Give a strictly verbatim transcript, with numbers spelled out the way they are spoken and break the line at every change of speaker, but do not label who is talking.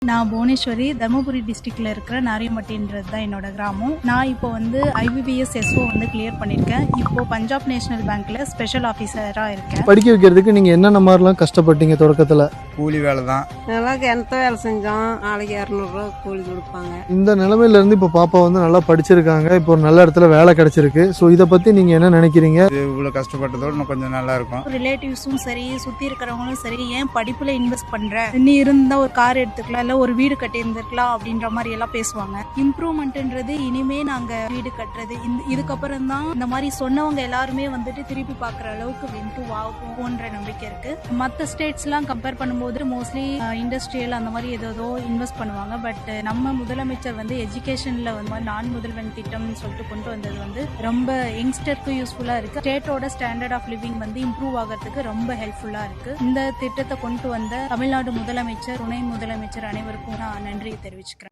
நான் புவனேஸ்வரி, தர்மபுரி டிஸ்ட்ரிக்ட்ல இருக்கிற நாரியம்பட்டின்றது தான் என்னோட கிராமம். நான் இப்போ வந்து ஐபிபிஎஸ் எஸ்ஓ வந்து கிளியர் பண்ணியிருக்கேன். இப்போ பஞ்சாப் நேஷனல் பேங்க்ல ஸ்பெஷல் ஆஃபீஸரா இருக்கேன்.
படிக்க வைக்கிறதுக்கு நீங்க என்னென்ன மாதிரிலாம் கஷ்டப்பட்டீங்க தொடக்கத்துல?
கூலி வேலை தான்.
நல்லா கிணத்த வேலை செஞ்சோம். நாளைக்கு இரநூறுவா கூலி கொடுப்பாங்க.
இந்த நிலைமையில இருந்து இப்போ பாப்பா வந்து நல்லா படிச்சிருக்காங்க, இப்போ ஒரு நல்ல இடத்துல வேலை கிடைச்சிருக்கு. ஸோ இதை பத்தி நீங்க என்ன நினைக்கிறீங்க?
இவ்வளவு கஷ்டப்பட்டதோட இன்னும் கொஞ்சம் நல்லா இருக்கும்.
ரிலேட்டிவ்ஸும் சரி, சுத்தி இருக்கிறவங்களும் சரி, ஏன் படிப்புல இன்வெஸ்ட் பண்ற, நீ இருந்தா ஒரு கார் எடுத்துக்கலாம், இல்ல ஒரு வீடு கட்டி இருந்திருக்கலாம் அப்படின்ற மாதிரி எல்லாம் பேசுவாங்க. இம்ப்ரூவ்மெண்ட்ன்றது இனிமே நாங்க வீடு கட்டுறது இந்த- இதுக்கப்புறம் தான் இந்த மாதிரி சொன்னவங்க எல்லாருமே வந்துட்டு திருப்பி பாக்குற அளவுக்கு இம்ப்ரூவ் ஆகும்ன்ற நம்பிக்கை இருக்கு. மற்ற ஸ்டேட்ஸ் எல்லாம் கம்பேர் பண்ணும்போது மோஸ்ட்லி இண்டஸ்ட்ரியல் அந்த மாதிரி ஏதோ இன்வெஸ்ட் பண்ணுவாங்க. பட் நம்ம முதலமைச்சர் வந்து எஜுகேஷன்ல வந்து நான் முதல்வன் திட்டம்னு சொல்லிட்டு கொண்டு வந்தது வந்து ரொம்ப யங்ஸ்டருக்கு யூஸ்ஃபுல்லா இருக்கு. ஸ்டேட்டோட ஸ்டாண்டர்ட் ஆஃப் லிவிங் வந்து இம்ப்ரூவ் ஆகிறதுக்கு ரொம்ப ஹெல்ப்ஃபுல்லா இருக்கு. இந்த திட்டத்தை கொண்டு வந்த தமிழ்நாடு முதலமைச்சர், துணை முதலமைச்சர் அனைவருக்கும் நான் நன்றி தெரிவிச்சுக்கிறேன்.